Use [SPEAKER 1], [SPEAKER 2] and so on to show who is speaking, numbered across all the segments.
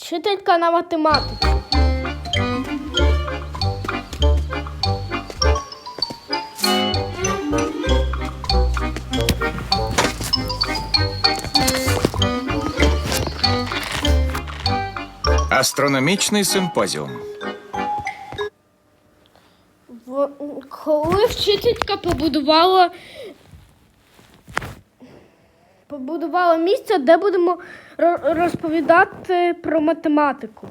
[SPEAKER 1] Вчителька на математику.
[SPEAKER 2] Астрономічний симпозіум.
[SPEAKER 1] Коли вчителька побудувала місце, де будемо розповідати про математику.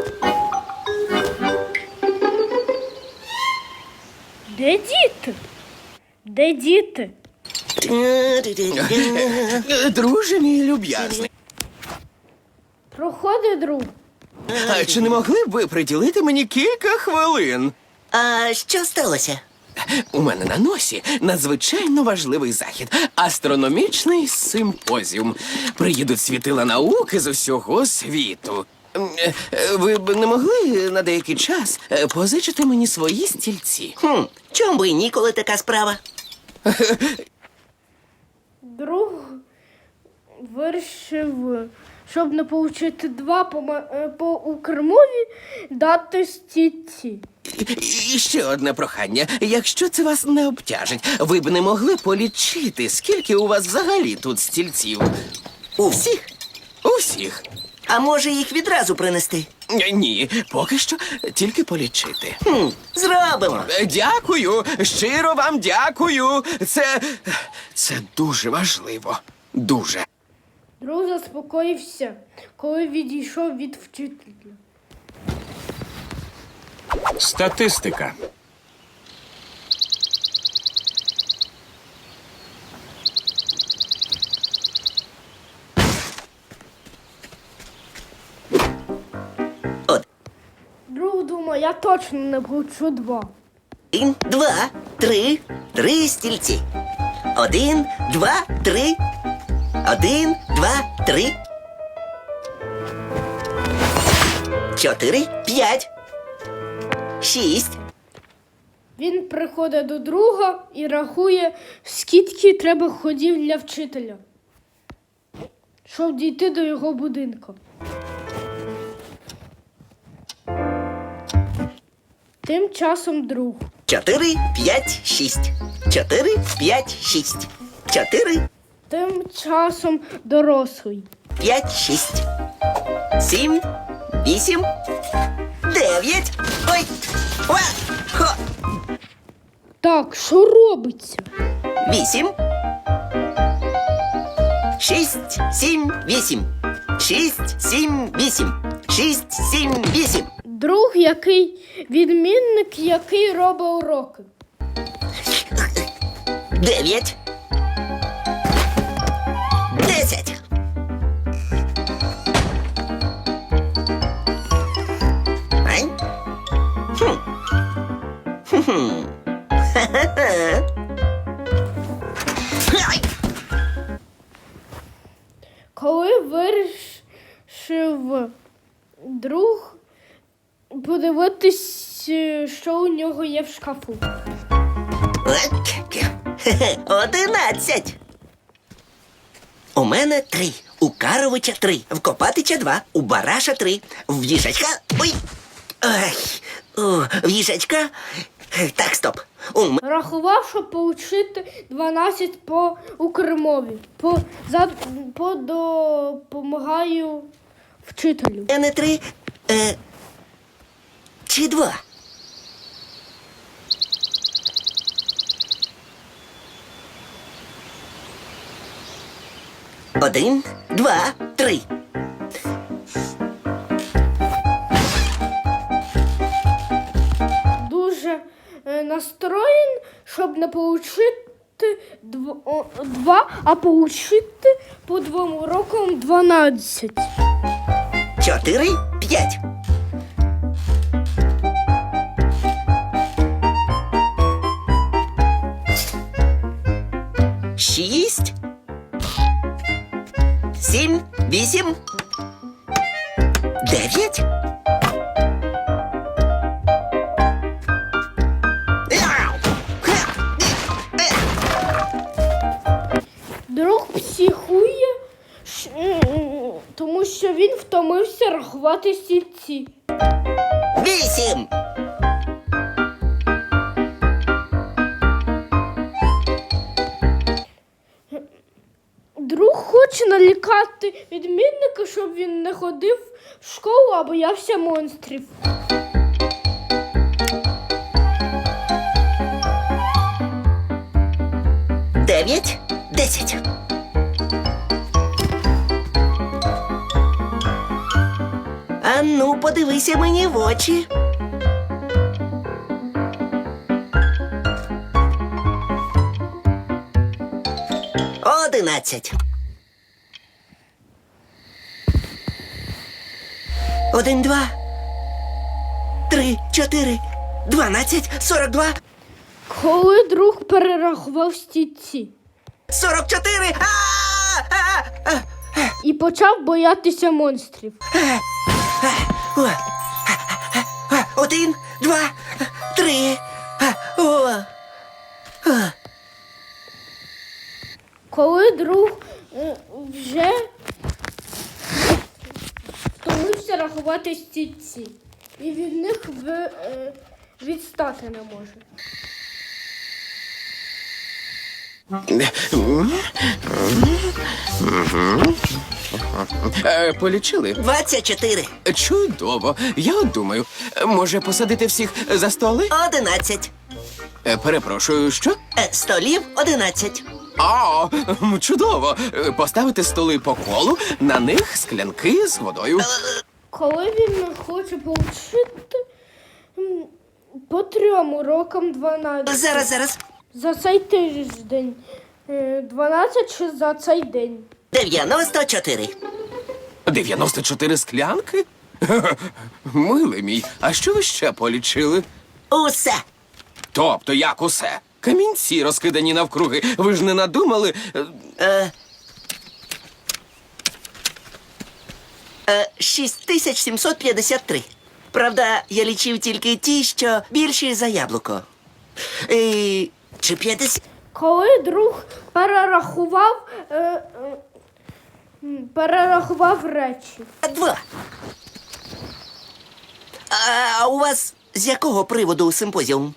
[SPEAKER 1] Де діти? Де діти?
[SPEAKER 3] Друже мій люб'язний,
[SPEAKER 1] Проходить друг.
[SPEAKER 3] а чи не могли б ви приділити мені кілька хвилин?
[SPEAKER 4] А що сталося?
[SPEAKER 3] У мене на носі надзвичайно важливий захід – астрономічний симпозіум. Приїдуть світила науки з усього світу. Ви б не могли на деякий час позичити мені свої стільці?
[SPEAKER 4] Чом би і ні, коли така справа?
[SPEAKER 1] Друг вирішив, щоб не отримати 2 по укрмові, дати стільці.
[SPEAKER 3] І ще одне прохання. Якщо це вас не обтяжить, ви б не могли полічити, скільки у вас взагалі тут стільців?
[SPEAKER 4] У всіх?
[SPEAKER 3] Усіх.
[SPEAKER 4] А може їх відразу принести?
[SPEAKER 3] Ні, поки що тільки полічити.
[SPEAKER 4] Зробимо.
[SPEAKER 3] Дякую, щиро вам дякую. Це дуже важливо. Дуже.
[SPEAKER 1] Друг заспокоївся, коли відійшов від вчителя.
[SPEAKER 2] Статистика.
[SPEAKER 1] Друг думає, я точно не получу 2.
[SPEAKER 4] 1, 2, 3. 3 стільці. 1, 2, 3. 1, 2, 3. 4, 5. 6.
[SPEAKER 1] Він приходить до друга і рахує, скільки треба ходів для вчителя, щоб дійти до його будинку. Тим часом друг.
[SPEAKER 4] 4, 5, 6. 4, 5, 6. 4,
[SPEAKER 1] Тим часом дорослий.
[SPEAKER 4] 5, 6. 7, 8, 9. Ой! Ва! Хо!
[SPEAKER 1] Так, що робиться?
[SPEAKER 4] 8. 6, 7, 8. 6, 7, 8. 6, 7, 8.
[SPEAKER 1] Друг, відмінник, який робить уроки.
[SPEAKER 4] 9. 10. Ай. Ай.
[SPEAKER 1] Коли вирішив друг подивитись, що у нього є в шкафу.
[SPEAKER 4] 11. У мене 3. У Каровича 3. В Копатича 2. У Бараша 3. В їжачка... Ой! Ай! В їжачка... Так, стоп.
[SPEAKER 1] Рахував, щоб отримати 12 по укрмові. Допомагаю вчителю.
[SPEAKER 4] Мене 3. Чи 2? Один, 2, 3.
[SPEAKER 1] Дуже настроєн, щоб не отримати 2, а отримати по 2 урокам 12.
[SPEAKER 4] 4, 5. 6. 7, 8. 9.
[SPEAKER 1] Друг психує, тому що він втомився втомився рахувати стільці.
[SPEAKER 4] 8.
[SPEAKER 1] Друг хоче налякати відмінника, щоб він не ходив в школу, а боявся монстрів.
[SPEAKER 4] 9, 10. А ну, подивися мені в очі. Одинадцять. 1, 2, 3, 4, 12, 42,
[SPEAKER 1] Коли друг перерахував стільці
[SPEAKER 4] 44.
[SPEAKER 1] і почав боятися монстрів.
[SPEAKER 4] 1, 2, 3.
[SPEAKER 1] Коли друг вже втомився рахувати стільці, і від них відстати не може.
[SPEAKER 3] Полічили?
[SPEAKER 4] 24.
[SPEAKER 3] Чудово. Я от думаю, може посадити всіх за столи?
[SPEAKER 4] 11.
[SPEAKER 3] Перепрошую, що?
[SPEAKER 4] Столів 11.
[SPEAKER 3] А, чудово. Поставити столи по колу, на них склянки з водою.
[SPEAKER 1] Коли він хоче повчити по 3 урокам 12.
[SPEAKER 4] Зараз.
[SPEAKER 1] За цей тиждень 12 чи за цей день.
[SPEAKER 4] 94.
[SPEAKER 3] 94 склянки? Милий мій, а що ви ще полічили?
[SPEAKER 4] Усе.
[SPEAKER 3] Тобто, як усе? Камінці розкидані навкруги. Ви ж не надумали?
[SPEAKER 4] 6753. Правда, я лічив тільки ті, що більші за яблуко. Чи 50?
[SPEAKER 1] Коли друг перерахував речі.
[SPEAKER 4] 2. А у вас з якого приводу симпозіум?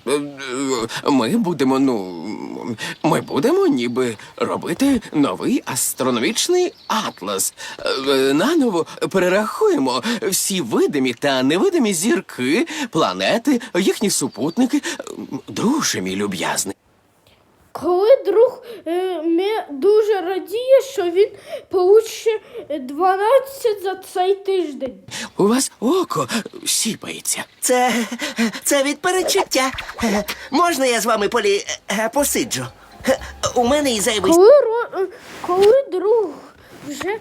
[SPEAKER 3] Ми будемо ніби робити новий астрономічний атлас. Наново перерахуємо всі видимі та невидимі зірки, планети, їхні супутники. Друже мій люб'язний.
[SPEAKER 1] Коли друг дуже радіє, що він получить 12 за цей тиждень.
[SPEAKER 3] У вас око сіпається.
[SPEAKER 4] Це від передчуття. Можна я з вами посиджу? У мене і зайвий...
[SPEAKER 1] Коли друг вже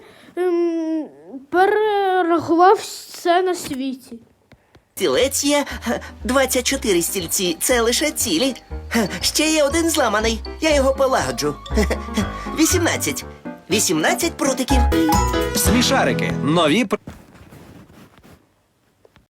[SPEAKER 1] перерахував все на світі.
[SPEAKER 4] Стілець є, 24 стільці. Це лише цілі. Ще є один зламаний. Я його полагоджу. 18. 18 прутиків.
[SPEAKER 2] Смішарики. Нові